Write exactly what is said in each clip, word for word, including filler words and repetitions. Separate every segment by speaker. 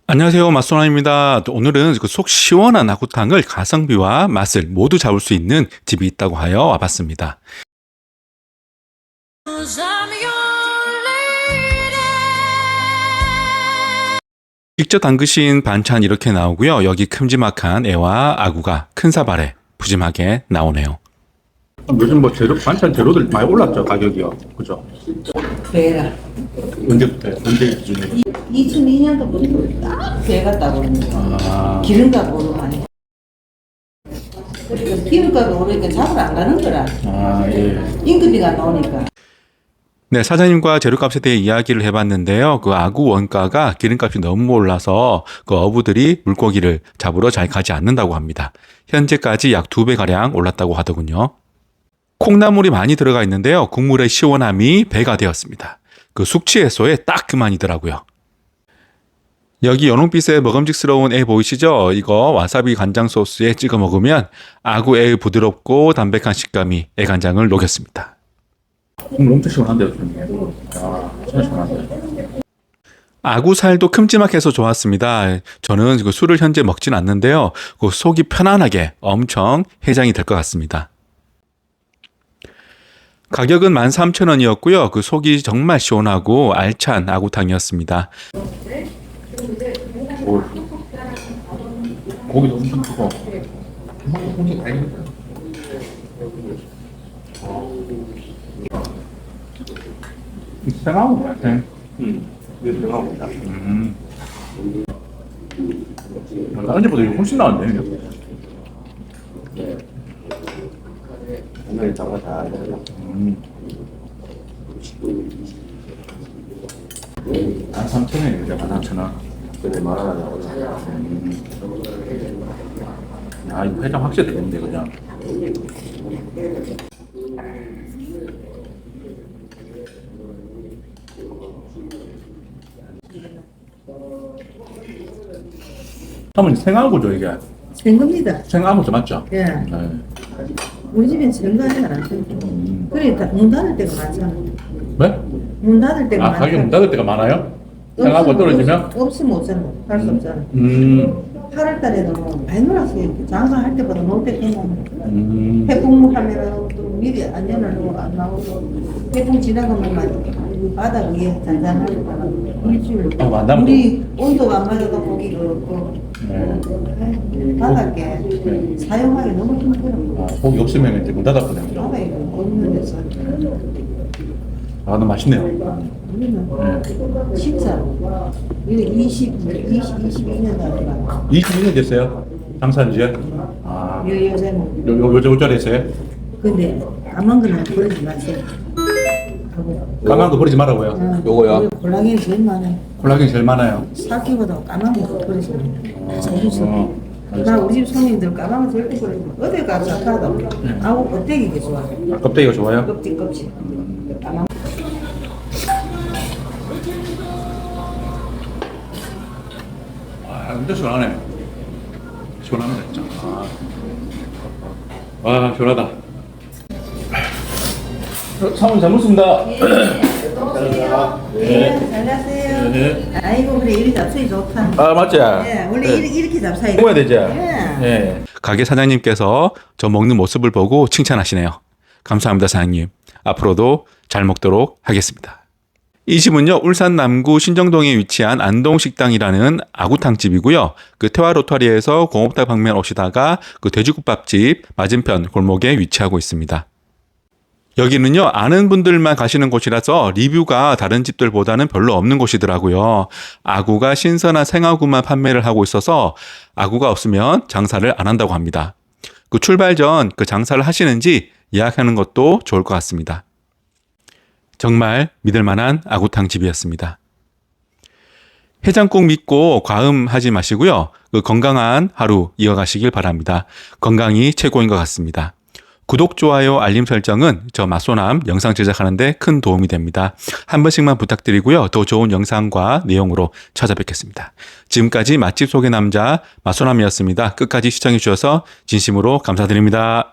Speaker 1: 안녕하세요. 맛소나입니다. 오늘은 그 속 시원한 아구탕을 가성비와 맛을 모두 잡을 수 있는 집이 있다고 하여 와봤습니다. 직접 담그신 반찬 이렇게 나오고요. 여기 큼지막한 애와 아구가 큰 사발에 푸짐하게 나오네요.
Speaker 2: 요즘 뭐 재료, 반찬 재료들 많이 올랐죠, 가격이요. 그죠?
Speaker 3: 배가
Speaker 2: 언제부터, 언제 기준에?
Speaker 3: 이천이 년도부터 딱 배가 따고 있는 거.
Speaker 2: 아,
Speaker 3: 기름값 오르면 기름값이 오르니까 잡으러 안 가는 거라.
Speaker 2: 아, 예.
Speaker 3: 인건비가 나오니까.
Speaker 1: 네, 사장님과 재료값에 대해 이야기를 해봤는데요. 그 아구 원가가 기름값이 너무 올라서 그 어부들이 물고기를 잡으러 잘 가지 않는다고 합니다. 현재까지 약 두 배가량 올랐다고 하더군요. 콩나물이 많이 들어가 있는데요. 국물의 시원함이 배가 되었습니다. 그 숙취 해소에 딱 그만이더라고요. 여기 연홍빛의 먹음직스러운 애 보이시죠? 이거 와사비 간장 소스에 찍어 먹으면 아구애의 부드럽고 담백한 식감이 애간장을 녹였습니다.
Speaker 2: 국물 엄청 시원한데요, 지금. 아, 진짜 시원한데.
Speaker 1: 아구 살도 큼지막해서 좋았습니다. 저는 그 술을 현재 먹진 않는데요. 그 속이 편안하게 엄청 해장이 될 것 같습니다. 가격은 만 삼천 원이었고요. 그 속이 정말 시원하고 알찬 아구탕이었습니다.
Speaker 2: 오. 고기도 엄청 크고. 생하고 같아. 음, 이게 생하고다. 음. 다른 집보다 이거 훨씬 나은데.
Speaker 4: 오늘 저거 다
Speaker 2: 음. 한 삼천 원이에요, 이제 만 삼천 원.
Speaker 4: 근데 말하나 나오나.
Speaker 2: 야, 이거 회장 확실히 되는데, 그냥. 사모님 생아구죠, 이게?
Speaker 3: 된 겁니다.
Speaker 2: 생아구죠, 맞죠?
Speaker 3: 예.
Speaker 2: 네.
Speaker 3: 우리 집엔 정가는 안 돼.
Speaker 2: 음.
Speaker 3: 그러니까 문 닫을 때가 많잖아.
Speaker 2: 네?
Speaker 3: 문 닫을 때가
Speaker 2: 아,
Speaker 3: 많잖아.
Speaker 2: 가격 문 닫을 때가 많아요? 생아구 떨어지면?
Speaker 3: 없으면 없잖아. 할 수 없잖아.
Speaker 2: 음.
Speaker 3: 팔월 달에도 많이 놀았어요. 장사할 때보다 놀 때 되면.
Speaker 2: 음.
Speaker 3: 태풍 하면 또 미리 안전하고 안 나오고 태풍 지나가면 바다 위에 잔잔하고 일주일
Speaker 2: 아, 만나면
Speaker 3: 우리 온도가 안 맞아도 고기 그렇고
Speaker 2: 네.
Speaker 3: 바닷게
Speaker 2: 네.
Speaker 3: 사용하기 너무 힘들어.
Speaker 2: 아, 고기 없으면 이제 문 닫았거든요.
Speaker 3: 바다에 없는 데서
Speaker 2: 아, 너무 맛있네요.
Speaker 3: 우리는
Speaker 2: 네.
Speaker 3: 진짜 이거 이십, 이십, 이십이 년 다니까
Speaker 2: 이십이 년 됐어요? 장사한 지요? 아,
Speaker 3: 요 요새는
Speaker 2: 요, 요, 요즘 옷자리 했어요?
Speaker 3: 근데 까만 거는 버리지 마세요. 하고
Speaker 2: 까만 거 버리지 말라고요?
Speaker 3: 어,
Speaker 2: 요거요?
Speaker 3: 우리 콜라겐이 제일 많아요.
Speaker 2: 콜라겐 제일 많아요.
Speaker 3: 사기보다 까만 거 버리세요. 자주서.
Speaker 2: 어.
Speaker 3: 나 우리 집 손님들 까만 거 절대 버리지 마. 어딜 가도 하나도 아우 껍데기가 좋아.
Speaker 2: 아, 껍데기가 좋아요?
Speaker 3: 껍질 껍질. 까만 거.
Speaker 2: 아, 진짜 시원하네. 시원합니다, 진짜. 아, 와, 시원하다. 어, 사모님 잘 먹습니다.
Speaker 3: 네, 잘 가세요.
Speaker 2: 네.
Speaker 3: 아이고 그래 이리 잡수이 좋다.
Speaker 2: 아, 맞지?
Speaker 3: 예, 원래
Speaker 2: 네.
Speaker 3: 이렇게, 이렇게 잡사야 돼.
Speaker 2: 먹어야 되지?
Speaker 3: 예.
Speaker 2: 예.
Speaker 1: 가게 사장님께서 저 먹는 모습을 보고 칭찬하시네요. 감사합니다, 사장님. 앞으로도 잘 먹도록 하겠습니다. 이 집은요, 울산 남구 신정동에 위치한 안동식당이라는 아구탕집이고요. 그 태화 로터리에서 공업당 방면 오시다가 그 돼지국밥집 맞은편 골목에 위치하고 있습니다. 여기는요, 아는 분들만 가시는 곳이라서 리뷰가 다른 집들보다는 별로 없는 곳이더라고요. 아구가 신선한 생아구만 판매를 하고 있어서 아구가 없으면 장사를 안 한다고 합니다. 그 출발 전 그 장사를 하시는지 예약하는 것도 좋을 것 같습니다. 정말 믿을 만한 아구탕 집이었습니다. 해장국 믿고 과음하지 마시고요. 그 건강한 하루 이어가시길 바랍니다. 건강이 최고인 것 같습니다. 구독, 좋아요, 알림 설정은 저 맛소남 영상 제작하는데 큰 도움이 됩니다. 한 번씩만 부탁드리고요. 더 좋은 영상과 내용으로 찾아뵙겠습니다. 지금까지 맛집 소개 남자 맛소남이었습니다. 끝까지 시청해 주셔서 진심으로 감사드립니다.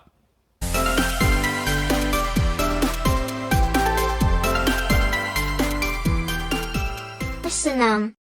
Speaker 5: 맛소남